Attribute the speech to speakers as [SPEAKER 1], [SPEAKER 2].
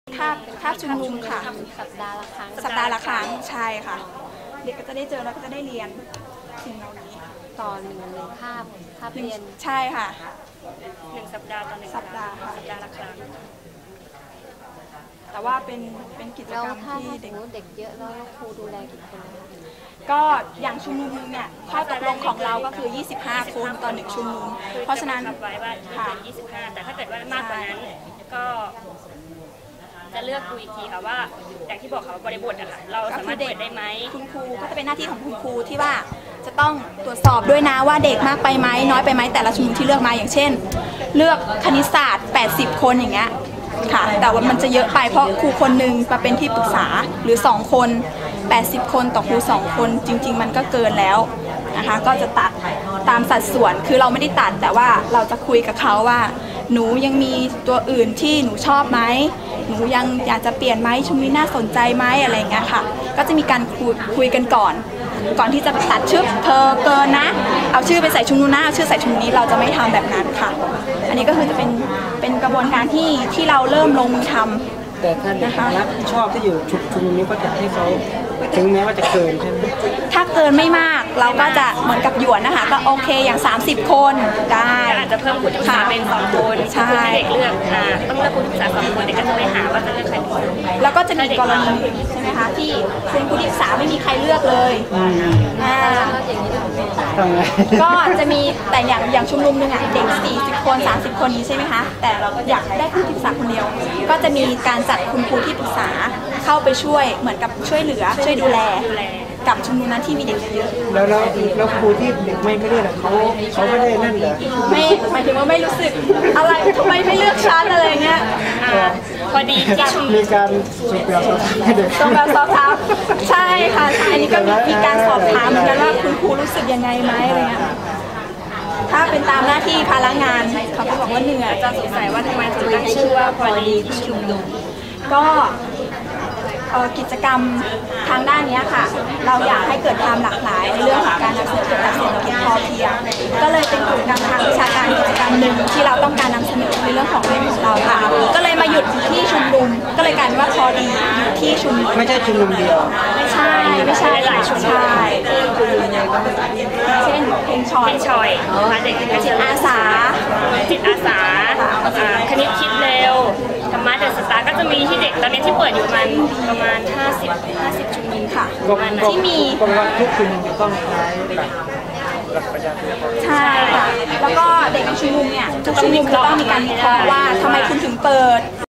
[SPEAKER 1] คาบชุมนุมค่ะ
[SPEAKER 2] สัปดาห์ละครั้ง
[SPEAKER 1] ใช่ค่ะเด็กก็จะได้เจอแล้วก็จะได้เรียนสิ่งเหล่านี้
[SPEAKER 2] ต่อหนึ่งคาบเรียน
[SPEAKER 1] ใช่ค่ะ
[SPEAKER 3] 1 สัปดาห์ต่อ1
[SPEAKER 1] สัปดาห์ค่ะ
[SPEAKER 3] สัปดาห์ละครั้ง
[SPEAKER 1] แต่ว่าเป็นกิจกรรมที่
[SPEAKER 2] เด็กเยอะแล้วครูดูแลกี่คนคะ
[SPEAKER 1] ก็อย่างชุมนุมนึงเนี่ยข้อตกลงของเราก็คือ25 คนต่อ1ชุมนุมเพราะฉะนั้น
[SPEAKER 3] ไว้ว่าไม่เกิน25แต่ถ้าเกิดว่ามากกว่านั้นก็จะเลือกดูอีกทีค่ะว่าอย่างที่บอกค่ะบริบทอะค่ะเราสามารถเปิดได้ไหม
[SPEAKER 1] คุณครูก็จะเป็นหน้าที่ของคุณครูที่ว่าจะต้องตรวจสอบด้วยนะว่าเด็กมากไปไหมน้อยไปไหมแต่ละชุมนุมที่เลือกมาอย่างเช่นเลือกคณิตศาสตร์80 คนอย่างเงี้ยค่ะแต่ว่ามันจะเยอะไปเพราะครูคนหนึ่งมาเป็นที่ปรึกษาหรือ2 คน80 คนต่อครู2 คนจริงๆมันก็เกินแล้วนะคะก็จะตัดตามสัดส่วนคือเราไม่ได้ตัดแต่ว่าเราจะคุยกับเขาว่าหนูยังมีตัวอื่นที่หนูชอบไหมหนูยังอยากจะเปลี่ยนไหมชุมนี้น่าสนใจไหมอะไรอย่างเงี้ยค่ะก็จะมีการคุยกันก่อนที่จะตัดชื่อเธอเกินนะเอาชื่อไปใส่ชุมนู้นนะเอาชื่อใส่ชุมนี้เราจะไม่ทำแบบนั้นค่ะอันนี้ก็คือจะเป็นกระบวนการที่เราเริ่มลงมือทำ
[SPEAKER 4] แต่ท่านรับผิดชอบที่อยู่ชุมนุมนี้ก็จะให้เขาถึงแม้ว่าจะเกินใช่ไหม
[SPEAKER 1] ถ้าเกินไม่มากเราก็จะเหมือนกับหยวนนะคะก็โอเคอย่าง30 คนได้
[SPEAKER 3] อาจจะเพิ่มครูที่ปรึกษาเป็น2 คน
[SPEAKER 1] ใช่
[SPEAKER 3] เด็กเลือกต้องเลือกครูที่ปรึกษา2 คนเด็กก็จะไปหาว่าจะเลือกใคร
[SPEAKER 1] แล้วก็จะมีกรณีใช่ไหมคะที่คุณครูที่ปรึกษาไม่มีใครเลือกเลยก็จะมีแต่อย่างชุมนุมหนึ่งอ่ะเด็ก40 คน30 คนนี้ใช่ไหมคะแต่เราอยากได้ครูที่ปรึกษาคนเดียวก็จะมีการจัดคุณครูที่ปรึกษาเข้าไปช่วยเหมือนกับช่วยเหลือช่วยดูแลกับชุมนุมนั้นที่มีเด็กเยอะ
[SPEAKER 4] แล้วครูที่เด็กไม่เลือกเขาไม่ได้นั่นเหรอ
[SPEAKER 1] ไม่หมายถึงว่าไม่รู้สึกอะไรทำไมไม่เลือกชั้นอะไรเงี้ย
[SPEAKER 3] พอดีที่
[SPEAKER 4] มีการส่งแบบสอบถามให้เด็ก
[SPEAKER 1] ส่งแบบสอบถามใช่ค่ะอันนี้ก็มีการสอบถามเหมือนกันว่าคุณครูรู้สึกยังไงไหมอะไรเงี้ยถ้าเป็นตามหน้าที่ภาระงานเขาก็บอกว่าเหนื่อย
[SPEAKER 3] จะสงสัยว่าทำไมถึงตั้งชื่อว่าพอดีที่ชุมนุม
[SPEAKER 1] ก็กิจกรรมทางด้านนี้ค่ะเราอยากให้เกิดความหลากหลายในเรื่องของการนำเสนอเกี่ยวกับเศรษฐกิจพอเพียงก็เลยเป็นกิจกรรมทางวิชาการกิจกรรมหนึ่งที่เราต้องการนำเสนอในเรื่องของเรื่องของเราค่ะก็เลยมาหยุดที่ชุมนุมก็เลยกลายเป็นว่าพอดีอยู่ที่ชุมนุม
[SPEAKER 4] ไม่ใช่ชุมนุมเดียว
[SPEAKER 1] ไม่ใช่หลายชุมนุมเช่นเพลงชอย
[SPEAKER 3] เด็ก
[SPEAKER 1] จิตอาสา
[SPEAKER 3] คณิตคิดเร็วธรรมะเดอะสตาร์ก็จะมีที่เด็กตอนนี้ที่เปิดอยู่ประมาณ50 ชุมนุมค่ะ
[SPEAKER 1] ที่มี
[SPEAKER 4] ทุกชุมนุมจะต้องใช้หลักปรัชญา
[SPEAKER 1] ใช่ค่ะแล้วก็เด็กในชุมนุมเนี่ยทุกชุมนุมจะต้องมีการวิเคราะห์ว่าทำไมคุณถึงเปิด